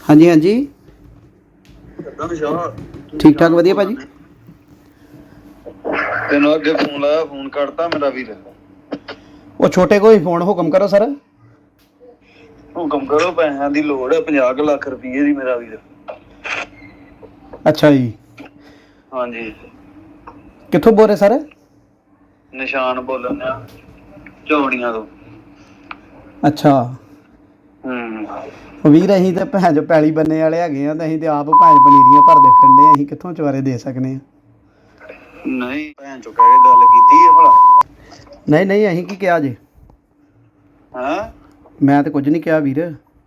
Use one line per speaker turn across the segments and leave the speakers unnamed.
हाँ जी हाँ जी ठीक ठाक वधिया भाजी।
तेनों अगे फोन लाया, फोन कटता मेरा वीर।
वो छोटे को ही फोन हुक्म करो सर।
हुक्म करो, पैसों की लोड़ है, 50 लाख रुपये की मेरा वीर।
अच्छा जी,
हाँ जी,
कित्थों बोल रहे सर?
निशान बोलन चौड़ियां तो।
अच्छा ਵੀਰ ਅਸੀਂ ਤੇ ਭੈਣ ਜੋ ਪੈਲੀ ਬੰਨੇ ਵਾਲੇ ਹੈਗੇ ਆ ਤੇ ਅਸੀਂ ਤੇ ਆਪ ਭੈਣ ਪਨੀਰੀਆਂ ਭਰਦੇ ਫਿਰਦੇ ਆ, ਅਸੀਂ ਕਿੱਥੋਂ ਚਵਾਰੇ ਦੇ ਸਕਨੇ ਆ?
नहीं भैन चो कह के गल कीती है भला?
ਨਹੀਂ ਨਹੀਂ ਅਸੀਂ ਕੀ ਕਿਹਾ ਜੇ?
हैं
ਮੈਂ ਤੇ ਕੁਝ ਨਹੀਂ ਕਿਹਾ ਵੀਰ।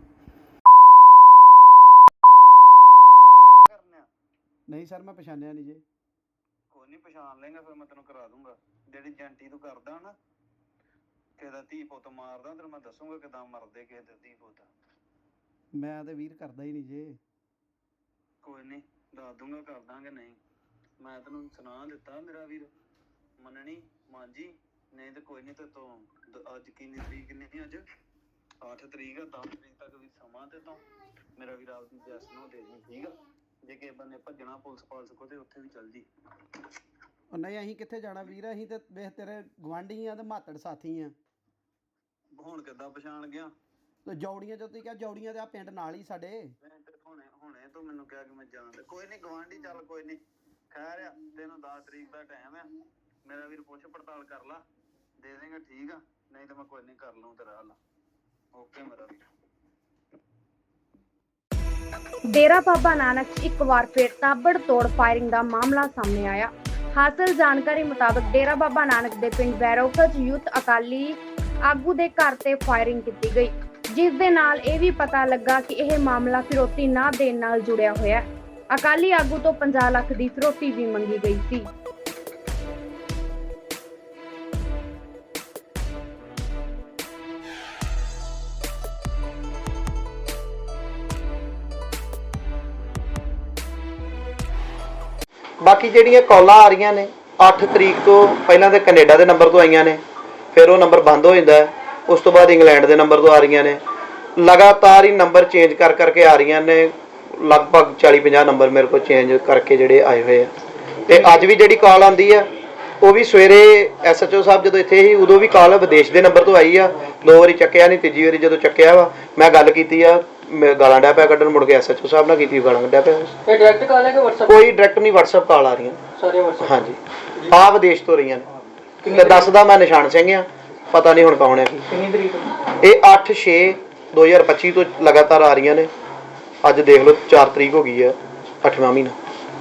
नहीं सर मैं पछानिया नहीं जे।
कोई नहीं, पछान लेंगे फिर मैं तेन करा दूंगा। जेडी जंटी तू करदा ना, किदा धी पुत मारदा, तेन मैं दसूंगा किदां मरदे किसे दे धी पुत।
मैं तो वीर करदा ही नहीं जे।
कोई नहीं, दस दूंगा कर दांगे। नहीं मैं तेन सुना दिता मेरा वीर, मननी मांजी। नहीं तो कोई नहीं, ते तो अज किन्नी तरीक नहीं, अज 8 तरीक है, 10 तरीक तक भी समा ते तो मेरा वीर आपकी जैस नो दे दी, ठीक है? जे किसी बंदे भजना पुलिस पालस को ते उत्थे भी चल जी।
नहीं असीं कित्थे जाना वीर, असीं ते वेख तेरे गवांढी आ ते मातड़ साथी आ।
हुण किद्दां पछाण गया?
ਤੇ ਜੌੜੀਆਂ ਜਦੋਂ ਤੁਸੀਂ ਕਿਹਾ ਜੌੜੀਆਂ ਤੇ ਆ ਪਿੰਡ ਨਾਲ ਹੀ ਸਾਡੇ।
ਹੁਣੇ ਤੂੰ ਮੈਨੂੰ ਕਿਹਾ ਕਿ ਮੈਂ ਜਾਣਦਾ। ਕੋਈ ਨਹੀਂ ਗਵਾਂਢੀ, ਚੱਲ ਕੋਈ ਨਹੀਂ, ਖੈਰ ਆ। ਤੈਨੂੰ 10 ਤਰੀਕ ਦਾ ਟਾਈਮ ਆ, ਮੇਰਾ ਵੀਰ ਪੁੱਛ ਪੜਤਾਲ ਕਰ ਲਾ, ਦੇ ਦੇਂਗਾ, ਠੀਕ ਆ? ਨਹੀਂ ਤਾਂ ਮੈਂ ਕੋਈ ਨਹੀਂ ਕਰ ਲਊਂ ਤੇਰਾ ਹੱਲ। ਓਕੇ ਮੇਰਾ ਵੀਰ।
ਡੇਰਾ ਬਾਬਾ ਨਾਨਕ 'ਚ ਇੱਕ ਵਾਰ ਫਿਰ ਤਾਬੜਤੋੜ ਫਾਇਰਿੰਗ ਦਾ ਮਾਮਲਾ ਸਾਹਮਣੇ ਆਇਆ। ਹਾਸਲ ਜਾਣਕਾਰੀ ਮੁਤਾਬਕ ਡੇਰਾ ਬਾਬਾ ਨਾਨਕ ਦੇ ਪਿੰਡ ਬੈਰੋਕਾ 'ਚ ਯੂਥ ਅਕਾਲੀ ਆਗੂ ਦੇ ਘਰ ਤੇ ਫਾਇਰਿੰਗ ਕੀਤੀ ਗਈ, ਜਿਸ ਦੇ ਨਾਲ ਇਹ ਵੀ ਪਤਾ ਲੱਗਾ ਕਿ ਇਹ ਮਾਮਲਾ ਫਿਰੌਤੀ ਨਾ ਦੇਣ ਨਾਲ ਜੁੜਿਆ ਹੋਇਆ ਹੈ। ਅਕਾਲੀ ਆਗੂ ਤੋਂ 50 ਲੱਖ ਦੀ ਫਿਰੌਤੀ ਵੀ ਮੰਗੀ ਗਈ ਸੀ।
ਬਾਕੀ ਜਿਹੜੀਆਂ ਕਾਲਾਂ ਆ ਰਹੀਆਂ ਨੇ 8 ਤਰੀਕ ਤੋਂ ਪਹਿਲਾਂ ਤੇ ਕੈਨੇਡਾ ਦੇ ਨੰਬਰ ਤੋਂ ਆਈਆਂ ਨੇ, ਫਿਰ ਉਹ ਨੰਬਰ ਬੰਦ ਹੋ ਜਾਂਦਾ ਹੈ। ਉਸ ਤੋਂ ਬਾਅਦ ਇੰਗਲੈਂਡ ਦੇ ਨੰਬਰ ਤੋਂ ਆ ਰਹੀਆਂ ਨੇ, ਲਗਾਤਾਰ ਹੀ ਨੰਬਰ ਚੇਂਜ ਕਰ ਕਰਕੇ ਆ ਰਹੀਆਂ ਨੇ। ਲਗਭਗ 40-50 ਨੰਬਰ ਮੇਰੇ ਕੋਲ ਚੇਂਜ ਕਰਕੇ ਜਿਹੜੇ ਆਏ ਹੋਏ ਆ। ਤੇ ਅੱਜ ਵੀ ਜਿਹੜੀ ਕਾਲ ਆਉਂਦੀ ਆ ਉਹ ਵੀ ਸਵੇਰੇ SHO ਸਾਹਿਬ ਜਦੋਂ ਇੱਥੇ ਸੀ ਉਦੋਂ ਵੀ ਕਾਲ ਵਿਦੇਸ਼ ਦੇ ਨੰਬਰ ਤੋਂ ਆਈ ਆ। 2 ਵਾਰੀ ਚੱਕਿਆ ਨਹੀਂ, ਤੀਜੀ ਵਾਰੀ ਜਦੋਂ ਚੱਕਿਆ ਵਾ ਮੈਂ ਗੱਲ ਕੀਤੀ ਆ, ਮੈਂ ਗਾਲਾਂ ਡਿਆ ਪਿਆ ਕੱਢਣ, ਮੁੜ ਕੇ SHO ਸਾਹਿਬ ਨਾਲ ਕੀਤੀ, ਗਾਲਾਂ ਕੱਢਿਆ ਪਿਆ।
ਇਹ ਡਾਇਰੈਕਟ ਕਾਲ ਹੈ ਕਿ WhatsApp?
ਕੋਈ ਡਾਇਰੈਕਟ ਨਹੀਂ, WhatsApp ਕਾਲ ਆ ਰਹੀਆਂ
ਸਾਰੇ WhatsApp?
ਹਾਂਜੀ, ਆ ਵਿਦੇਸ਼ ਤੋਂ ਰਹੀਆਂ ਨੇ। ਤੇ ਦੱਸਦਾ ਮੈਂ ਨਿਸ਼ਾਨ ਸਿੰਘ ਆ, ਪਤਾ ਨਹੀਂ ਹੁਣ ਕੌਣ ਹੈ ਕੀ।
ਕਿੰਨੀ ਤਰੀਕ ਨੂੰ?
ਇਹ 8/6/2025 ਤੋਂ ਲਗਾਤਾਰ ਆ ਰਹੀਆਂ ਨੇ। ਅੱਜ ਦੇਖ ਲਓ 4 ਤਰੀਕ ਹੋ ਗਈ ਹੈ, 8ਵਾਂ ਮਹੀਨਾ।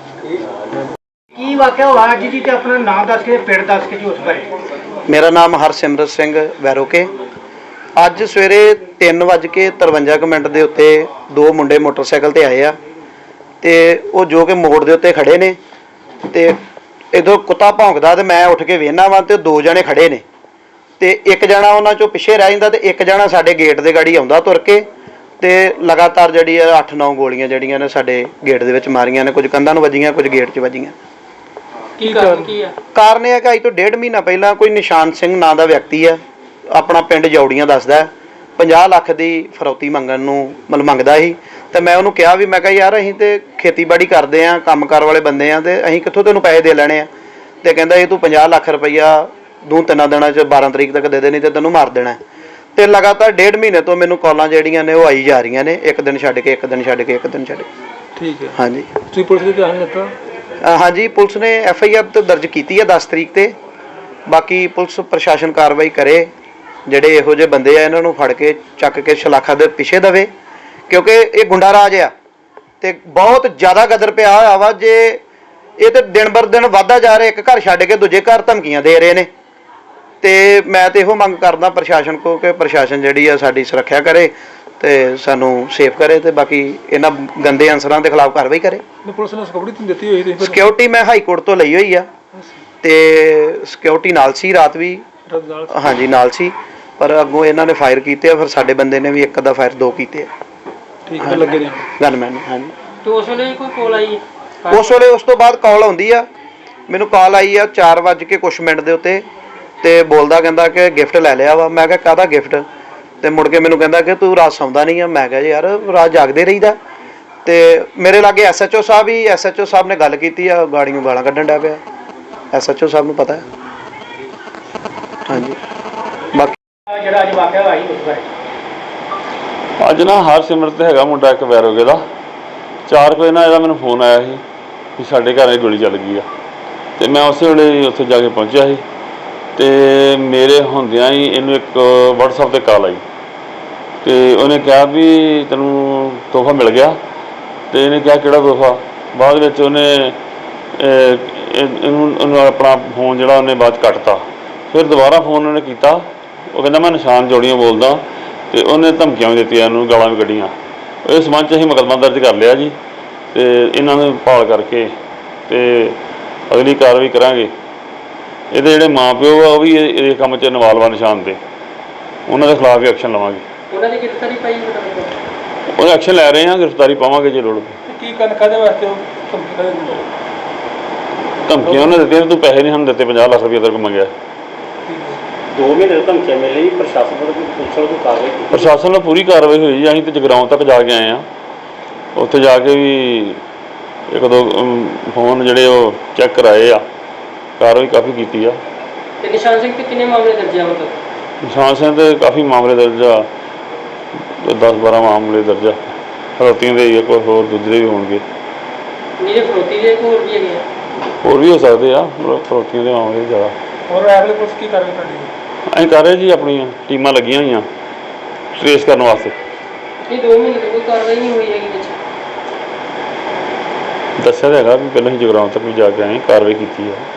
ਕੀ ਵਾਕਿਆ ਹੋਇਆ ਅੱਜ ਜੀ? ਤੇ ਆਪਣਾ ਨਾਮ ਦੱਸ ਕੇ, ਪਿੰਡ ਦੱਸ ਕੇ ਜੀ ਉਸ ਬਾਰੇ।
ਮੇਰਾ ਨਾਮ ਹਰਸਿਮਰਤ ਸਿੰਘ ਵੈਰੋਕੇ। ਅੱਜ ਸਵੇਰੇ 3:53 ਦੇ ਉੱਤੇ 2 ਮੁੰਡੇ ਮੋਟਰਸਾਈਕਲ ਤੇ ਆਏ ਆ ਤੇ ਉਹ ਜੋ ਕਿ ਮੋੜ ਦੇ ਉੱਤੇ ਖੜੇ ਨੇ ਤੇ ਇਦੋਂ ਕੁੱਤਾ ਭੌਂਕਦਾ ਤੇ ਮੈਂ ਉੱਠ ਕੇ ਵੇਖਣਾ ਵਾ ਤੇ 2 ਜਣੇ ਖੜੇ ਨੇ ਤੇ ਇੱਕ ਜਣਾ ਉਹਨਾਂ ਚੋਂ ਪਿੱਛੇ ਰਹਿ ਜਾਂਦਾ ਤੇ ਇੱਕ ਜਣਾ ਸਾਡੇ ਗੇਟ ਦੇ ਗਾੜੀ ਆਉਂਦਾ ਤੁਰ ਕੇ ਤੇ ਲਗਾਤਾਰ ਜਿਹੜੀ 8-9 ਗੋਲੀਆਂ ਜਿਹੜੀਆਂ ਨੇ ਸਾਡੇ ਗੇਟ ਦੇ ਵਿੱਚ ਮਾਰੀਆਂ ਨੇ। ਕੁਝ ਕੰਧਾਂ ਨੂੰ ਵੱਜੀਆਂ, ਕੁਝ ਗੇਟ 'ਚ ਵੱਜੀਆਂ।
ਕੀ ਕਾਰਨ ਕੀ ਆ?
ਕਾਰਨ ਇਹ ਹੈ ਕਿ ਅੱਜ ਤੋਂ 1.5 ਮਹੀਨਾ ਪਹਿਲਾਂ ਕੋਈ ਨਿਸ਼ਾਨ ਸਿੰਘ ਨਾਂ ਦਾ ਵਿਅਕਤੀ ਆ, ਆਪਣਾ ਪਿੰਡ ਜੌੜੀਆਂ ਦੱਸਦਾ, 50 ਲੱਖ ਦੀ ਫਰੌਤੀ ਮੰਗਣ ਨੂੰ ਮੰਗਦਾ ਸੀ। ਤੇ ਮੈਂ ਉਹਨੂੰ ਕਿਹਾ ਵੀ ਮੈਂ ਕਿਹਾ ਯਾਰ ਅਸੀਂ ਤੇ ਖੇਤੀਬਾੜੀ ਕਰਦੇ ਆ, ਕੰਮਕਾਰ ਵਾਲੇ ਬੰਦੇ ਆ ਤੇ ਅਸੀਂ ਕਿੱਥੋਂ ਤੈਨੂੰ ਪੈਸੇ ਦੇ ਲੈਣੇ ਆ? ਤੇ ਕਹਿੰਦਾ ਇਹ ਤੂੰ 50 ਲੱਖ ਰੁਪਈਆ 2-3 ਦਿਨਾਂ 'ਚ 12 ਤਰੀਕ ਤੱਕ ਦੇ ਦੇਣੀ ਤੇ ਤੈਨੂੰ ਮਾਰ ਦੇਣਾ। ਤੇ ਲਗਾਤਾਰ 1.5 ਮਹੀਨੇ ਤੋਂ ਮੈਨੂੰ ਕਾਲਾਂ ਜਿਹੜੀਆਂ ਨੇ ਉਹ ਆਈ ਜਾ ਰਹੀਆਂ ਨੇ, ਇੱਕ ਦਿਨ ਛੱਡ ਕੇ, ਇੱਕ ਦਿਨ ਛੱਡ ਕੇ, ਇੱਕ ਦਿਨ ਛੱਡ ਕੇ।
ਠੀਕ ਹੈ।
ਹਾਂਜੀ,
ਤੁਸੀਂ ਪੁਲਿਸ ਦੇ ਧਿਆਨ ਦਿੱਤਾ?
ਹਾਂਜੀ, ਪੁਲਿਸ ਨੇ FIR ਤੇ ਦਰਜ ਕੀਤੀ ਹੈ 10 ਤਰੀਕ ਤੇ। ਬਾਕੀ ਪੁਲਿਸ ਪ੍ਰਸ਼ਾਸਨ ਕਾਰਵਾਈ ਕਰੇ, ਜਿਹੜੇ ਇਹੋ ਜਿਹੇ ਬੰਦੇ ਆ ਇਹਨਾਂ ਨੂੰ ਫੜ ਕੇ ਚੱਕ ਕੇ ਸ਼ਲਾਖਾ ਦੇ ਪਿੱਛੇ ਦੇਵੇ, ਕਿਉਂਕਿ ਇਹ ਗੁੰਡਾ ਰਾਜ ਆ ਤੇ ਬਹੁਤ ਜ਼ਿਆਦਾ ਗਦਰ ਪਿਆ ਹੋਇਆ ਵਾ। ਜੇ ਇਹ ਤੇ ਦਿਨ ਬਰ ਦਿਨ ਵੱਧਦਾ ਜਾ ਰਿਹਾ, ਇੱਕ ਘਰ ਛੱਡ ਕੇ ਦੂਜੇ ਘਰ ਧਮਕੀਆਂ ਦੇ ਰਹੇ ਨੇ। ਤੇ ਮੈਂ ਤੇ ਇਹੋ ਮੰਗ ਕਰਦਾ ਪ੍ਰਸ਼ਾਸਨ ਕੋ ਕਿ ਪ੍ਰਸ਼ਾਸਨ ਜਿਹੜੀ ਆ ਸਾਡੀ ਸੁਰੱਖਿਆ ਕਰੇ ਤੇ ਸਾਨੂੰ ਸੇਫ ਕਰੇ ਤੇ ਬਾਕੀ ਇਹਨਾਂ ਗੰਦੇ ਅਨਸਰਾਂ ਦੇ ਖਿਲਾਫ ਕਾਰਵਾਈ ਕਰੇ।
ਪੁਲਿਸ ਨੇ ਸਿਕਿਉਰਿਟੀ ਦਿੱਤੀ ਹੋਈ ਤੇ
ਸਿਕਿਉਰਿਟੀ ਮੈਂ ਹਾਈ ਕੋਰਟ ਤੋਂ ਲਈ ਹੋਈ ਆ ਤੇ ਸਿਕਿਉਰਿਟੀ ਨਾਲ ਸੀ, ਰਾਤ ਵੀ ਹਾਂਜੀ ਨਾਲ ਸੀ, ਪਰ ਅੱਗੋਂ ਇਹਨਾਂ ਨੇ ਫਾਇਰ ਕੀਤੇ ਆ, ਫਿਰ ਸਾਡੇ ਬੰਦੇ ਨੇ ਵੀ ਇੱਕ ਅੱਧਾ ਫਾਇਰ 2 ਕੀਤੇ ਆ।
ਠੀਕ ਹੈ, ਲੱਗੇ ਨੇ
ਗਨਮੈਨ। ਹਾਂਜੀ,
ਤੇ ਉਸ ਵੇਲੇ ਕੋਈ ਕਾਲ ਆਈ?
ਉਸ ਵੇਲੇ ਉਸ ਤੋਂ ਬਾਅਦ ਕਾਲ ਆਉਂਦੀ ਆ, ਮੈਨੂੰ ਕਾਲ ਆਈ ਆ 4 ਕੁਛ ਮਿੰਟ ਦੇ ਉੱਤੇ ਤੇ ਬੋਲਦਾ ਕਹਿੰਦਾ ਕਿ ਗਿਫਟ ਲੈ ਲਿਆ ਵਾ। ਮੈਂ ਕਿਹਾ ਕਾਹਦਾ ਗਿਫਟ? ਤੇ ਮੁੜ ਕੇ ਮੈਨੂੰ ਕਹਿੰਦਾ ਕਿ ਤੂੰ ਰਾਤ ਸੌਂਦਾ ਨਹੀਂ ਆ। ਮੈਂ ਕਿਹਾ ਯਾਰ ਰਾਤ ਜਾਗਦੇ ਰਹੀਦਾ। ਤੇ ਮੇਰੇ ਲਾਗੇ ਐਸਐਚਓ ਸਾਹਿਬ ਹੀ ਐਸਐਚਓ ਸਾਹਿਬ ਨੇ ਗੱਲ ਕੀਤੀ ਆ, ਗਾੜੀਆਂ ਗਾਲਾਂ ਕੱਢਣ ਡਿਆ ਪਿਆ। ਐਸਐਚਓ ਸਾਹਿਬ ਨੂੰ ਪਤਾ ਹੈ। ਹਾਂਜੀ ਬਾਕੀ
ਜਿਹੜਾ ਅੱਜ ਵਾਕਿਆ ਹੋਇਆ ਸੀ ਉਸ ਬਾਰੇ
ਅੱਜ ਨਾ ਹਰਸਿਮਰਤ ਹੈਗਾ ਮੁੰਡਾ ਇੱਕ ਵੈਰੋਗੇ ਦਾ 4 ਵਜੇ ਨਾ ਇਹਦਾ ਮੈਨੂੰ ਫੋਨ ਆਇਆ ਸੀ ਕਿ ਸਾਡੇ ਘਰ ਇਹ ਗੋਲੀ ਚੱਲ ਗਈ ਆ ਤੇ ਮੈਂ ਉਸੇ ਵੇਲੇ ਉੱਥੇ ਜਾ ਕੇ ਪਹੁੰਚਿਆ ਸੀ ਤੇ ਮੇਰੇ ਹੁੰਦਿਆਂ ਹੀ ਇਹਨੂੰ ਇੱਕ WhatsApp ਤੇ ਕਾਲ ਆਈ ਤੇ ਉਹਨੇ ਕਿਹਾ ਵੀ ਤੈਨੂੰ ਤੋਹਫਾ ਮਿਲ ਗਿਆ ਤੇ ਇਹਨੇ ਕਿਹਾ ਕਿਹੜਾ ਤੋਹਫਾ। ਬਾਅਦ ਵਿੱਚ ਉਹਨੇ ਇਹਨੂੰ ਆਪਣਾ ਫੋਨ ਜਿਹੜਾ ਉਹਨੇ ਬਾਅਦ 'ਚ ਕੱਟਤਾ। ਫਿਰ ਦੁਬਾਰਾ ਫੋਨ ਉਹਨੇ ਕੀਤਾ, ਉਹ ਕਹਿੰਦਾ ਮੈਂ ਨਿਸ਼ਾਨ ਜੋੜੀਆਂ ਬੋਲਦਾ ਤੇ ਉਹਨੇ ਧਮਕੀਆਂ ਵੀ ਦਿੱਤੀਆਂ, ਇਹਨੂੰ ਗਾਲਾਂ ਵੀ ਕੱਢੀਆਂ। ਇਸ ਸੰਬੰਧ 'ਚ ਅਸੀਂ ਮੁਕੱਦਮਾ ਦਰਜ ਕਰ ਲਿਆ ਜੀ ਤੇ ਇਹਨਾਂ ਨੂੰ ਭਾਲ ਕਰਕੇ ਤੇ ਅਗਲੀ ਕਾਰਵਾਈ ਕਰਾਂਗੇ। ਇਹਦੇ ਜਿਹੜੇ ਮਾਂ ਪਿਓ ਆ ਉਹ ਵੀ ਇਹ ਕੰਮ 'ਚ ਇਨਵਾਲਵ ਨਿਸ਼ਾਨ ਤੇ, ਉਹਨਾਂ ਦੇ ਖਿਲਾਫ ਵੀ ਐਕਸ਼ਨ ਲਵਾਂਗੇ।
ਉਹਨਾਂ ਦੀ ਗ੍ਰਿਫਤਾਰੀ ਪਾਈ
ਉਹ ਐਕਸ਼ਨ ਲੈ ਰਹੇ ਹਾਂ, ਗ੍ਰਿਫਤਾਰੀ ਪਾਵਾਂਗੇ ਜੇ ਲੋੜ
ਕੀ ਕਰਨ ਕਾਹਦੇ ਵਾਸਤੇ
ਧਮਕੀਆਂ ਉਹਨੇ ਦਿੱਤੀਆਂ, ਤੂੰ ਪੈਸੇ ਨਹੀਂ ਸਾਨੂੰ ਦਿੱਤੇ, 50 ਲੱਖ ਰੁਪਏ ਤੇਰੇ ਕੋਲ ਮੰਗਿਆ।
2 ਮਹੀਨੇ ਧਮਕੀਆਂ ਮਿਲ ਰਹੀ ਪ੍ਰਸ਼ਾਸਨ ਵੱਲੋਂ ਪੁਲਿਸ ਵੱਲੋਂ ਕਾਰਵਾਈ ਕੀਤੀ?
ਪ੍ਰਸ਼ਾਸਨ ਨਾਲ ਪੂਰੀ ਕਾਰਵਾਈ ਹੋਈ ਜੀ। ਅਸੀਂ ਤੇ ਜਗਰਾਉਂ ਤੱਕ ਜਾ ਕੇ ਆਏ ਹਾਂ, ਉੱਥੇ ਜਾ ਕੇ ਵੀ 1-2 ਫੋਨ ਜਿਹੜੇ ਉਹ ਚੈੱਕ ਕਰਾਏ ਆ, ਕਾਰਵਾਈ ਕਾਫੀ ਕੀਤੀ ਆ।
ਤੇ ਨਿਸ਼ਾਨ ਸਿੰਘ ਤੇ ਕਿੰਨੇ ਮਾਮਲੇ ਦਰਜ ਆ ਹੁਣ ਤੱਕ?
ਨਿਸ਼ਾਨ ਸਿੰਘ ਤੇ ਕਾਫੀ ਮਾਮਲੇ ਦਰਜ ਆ, 10-12 ਮਾਮਲੇ ਦਰਜ ਆ। ਫਰੋਤੀਆਂ ਦੇ ਜਾਂ ਕੋਈ ਹੋਰ ਦੂਜੇ ਵੀ ਹੋਣਗੇ।
ਜਿਹੜੇ ਫਰੋਤੀ ਦੇ ਹੋਰ ਵੀ ਹੈਗੇ ਆ?
ਹੋਰ ਵੀ ਹੋ ਸਕਦੇ ਆ, ਫਰੋਤੀਆਂ ਦੇ ਮਾਮਲੇ ਜ਼ਿਆਦਾ।
ਹੋਰ ਐਵਲੇ ਪੁਲਿਸ ਕੀ ਕਰ ਰਹੀ ਤੁਹਾਡੀ?
ਅਸੀਂ ਕਰ ਰਹੇ ਜੀ, ਆਪਣੀਆਂ ਟੀਮਾਂ ਲੱਗੀਆਂ ਹੋਈਆਂ ਟ੍ਰੇਸ ਕਰਨ ਵਾਸਤੇ।
ਇਹ 2 ਮਹੀਨੇ ਤੋਂ ਕੋਈ ਕਾਰਵਾਈ ਨਹੀਂ ਹੋਈ ਹੈਗੀ ਵਿੱਚ?
ਦੱਸਿਆ ਤਾਂ ਹੈਗਾ ਵੀ ਪਹਿਲਾਂ ਹੀ ਜਗਰਾਉਂ ਤੱਕ ਵੀ ਜਾ ਕੇ ਆਏ, ਕਾਰਵਾਈ ਕੀਤੀ ਆ।